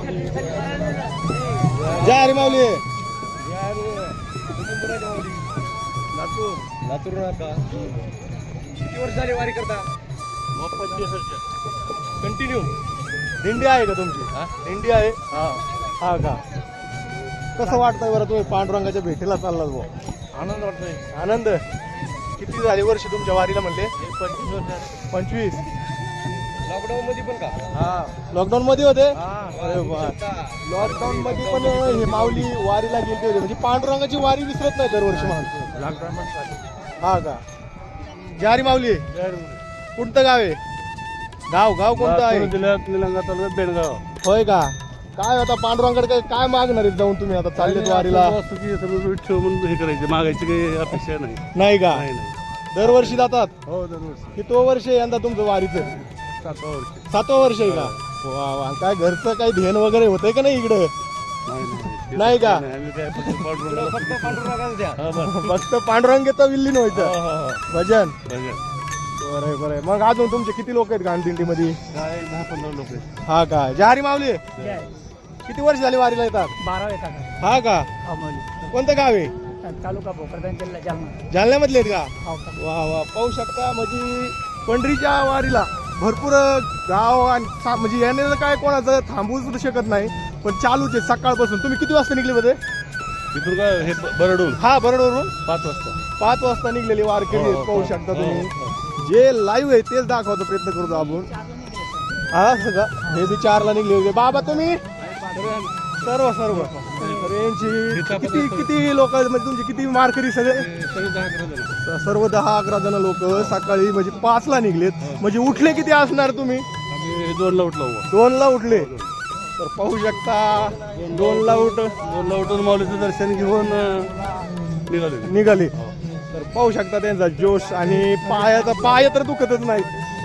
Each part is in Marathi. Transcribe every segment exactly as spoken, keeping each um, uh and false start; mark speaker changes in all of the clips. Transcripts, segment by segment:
Speaker 1: जय हरी माऊली.
Speaker 2: लातूर
Speaker 1: लातूर का किती वर्ष झाली वारी करता?
Speaker 2: पंचवीस वर्ष
Speaker 1: कंटिन्यू. दिंडी आहे का तुमची? दिंडी आहे.
Speaker 2: हा
Speaker 1: हा का. कसं वाटतंय बरं तुम्ही पांडुरंगाच्या भेटीला चाललात भाऊ?
Speaker 2: आनंद वाटतोय.
Speaker 1: आनंद. किती झाली वर्ष तुमच्या वारीला म्हणले?
Speaker 2: पंचवीस वर्ष
Speaker 1: पंचवीस.
Speaker 2: लॉकडाऊन मध्ये पण का?
Speaker 1: हा लॉकडाऊन मध्ये होते.
Speaker 2: हा
Speaker 1: अरे वा. लॉकडाऊन मध्ये पण हे माऊली वारीला गेले होते म्हणजे पांडुरंगाची वारी विसरत नाही दरवर्षी म्हणतो.
Speaker 2: लॉकडाऊन मध्ये
Speaker 1: हा का. जय हरी माऊली. कोणतं गाव आहे? गाव गाव कोणतं आहे?
Speaker 2: जिल्ह्यात निलंगा तालुक्यात बेडगाव.
Speaker 1: होय का. काय आता पांडुरंगाकडे काय काय मागणार आहेत जाऊन तुम्ही आता चाललेत वारीला?
Speaker 2: वास्तुकी सगळं ठेव म्हणून हे करायचे, मागायची काही अपेक्षा नाही.
Speaker 1: नाही का.
Speaker 2: नाही नाही
Speaker 1: दरवर्षी जातात.
Speaker 2: हो दरवर्षी.
Speaker 1: किती वर्ष आहे यंदा तुमचं वारीचं?
Speaker 2: सातवा वर्ष.
Speaker 1: सातवं वर्ष आहे का. वा वा. काय घरचं काही ध्यान वगैरे होतंय का नाही इकडं?
Speaker 2: नाही नाही
Speaker 1: नाही का?
Speaker 2: आम्ही काय फक्त पांडुरंगाला-
Speaker 1: फक्त पांडुरंगाला द्या.
Speaker 2: हा, बस.
Speaker 1: फक्त पांडुरंगाचं विल्लीन
Speaker 2: हा,
Speaker 1: व्हायचं.
Speaker 2: हा, हा.
Speaker 1: भजन.
Speaker 2: बघा.
Speaker 1: बरं आहे, बरं आहे. मग अजून तुमचे किती लोक आहेत गांधींडीमध्ये?
Speaker 2: काय दहा पंधरा लोक आहेत.
Speaker 1: हा का. जय हरी माऊली. किती वर्ष झाली वारीला येतात?
Speaker 3: बारा येतात
Speaker 1: हा का. कोणतं गाव आहे?
Speaker 3: तालुका भोकरदन जिल्हा जालना.
Speaker 1: जालन्यामधले आहेत का?
Speaker 3: हो.
Speaker 1: वा वा. पाहू शकता म्हणजे पंढरीच्या वारीला भरपूर गाव आणि सा- म्हणजे याने काय कोणाचं थांबवू सुद्धा शकत नाही पण चालूच आहे सकाळपासून. तुम्ही किती वाजता निघले होते?
Speaker 2: तिथून काय हे बरडून
Speaker 1: हा बरोडवरून
Speaker 2: पाच वाजता.
Speaker 1: पाच वाजता निघलेली वारकरी आहेत.
Speaker 2: हो, हो,
Speaker 1: पाहू
Speaker 2: हो,
Speaker 1: शकता
Speaker 2: हो,
Speaker 1: तुम्ही.
Speaker 2: हो.
Speaker 1: जे लाईव्ह आहे तेच दाखवायचा प्रयत्न करतो आपण. हा सगळं हे बी चारला निघले होते. बाबा तुम्ही सर्व सर्व तर यांची किती किती लोक म्हणजे तुमची किती वारकरी सगळे?
Speaker 2: सगळे दहा अकरा जण.
Speaker 1: सर्व दहा अकरा जण लोक सकाळी म्हणजे पाचला निघलेत. म्हणजे उठले किती असणार तुम्ही?
Speaker 2: आम्ही दोनला उठलो बुवा.
Speaker 1: दोनला उठले. तर पाहू शकता दोनला उठ
Speaker 2: दोनला उठून माऊलीचं दर्शन घेऊन अं, निघाले.
Speaker 1: निघाले. तर पाहू शकता त्यांचा जोश आणि पायाचा पाय तर दुखतच नाही.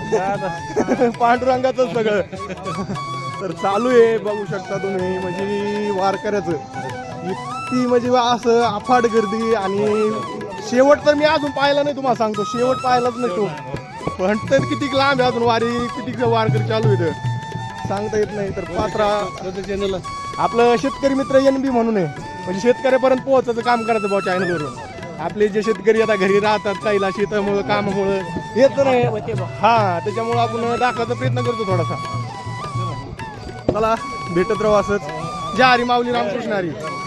Speaker 1: पांडुरंगाचं सगळं तर चालू आहे. बघू शकता तुम्ही म्हणजे वारकऱ्याचं इतकी म्हणजे असं अफाट गर्दी. आणि शेवट तर मी अजून पाहिला नाही. तुम्हाला सांगतो शेवट पाहिलाच नाही तो. पण तर किती लांब आहे अजून वारी. किती वारकरी चालू आहे सांगता येत नाही. तर पात्रा
Speaker 2: चॅनल
Speaker 1: आपलं शेतकरी मित्र एन बी म्हणून आहे म्हणजे शेतकऱ्यापर्यंत पोहोचायचं काम करायचं भाऊ चॅनलवरून. आपले जे शेतकरी आता घरी राहतात काहीला शेतामुळं कामामुळं येत नाही. हा त्याच्यामुळं आपण दाखवायचा प्रयत्न करतो थोडासा. चला भेटत राहू असंच. जय हरी माऊली. रामकृष्ण हरी.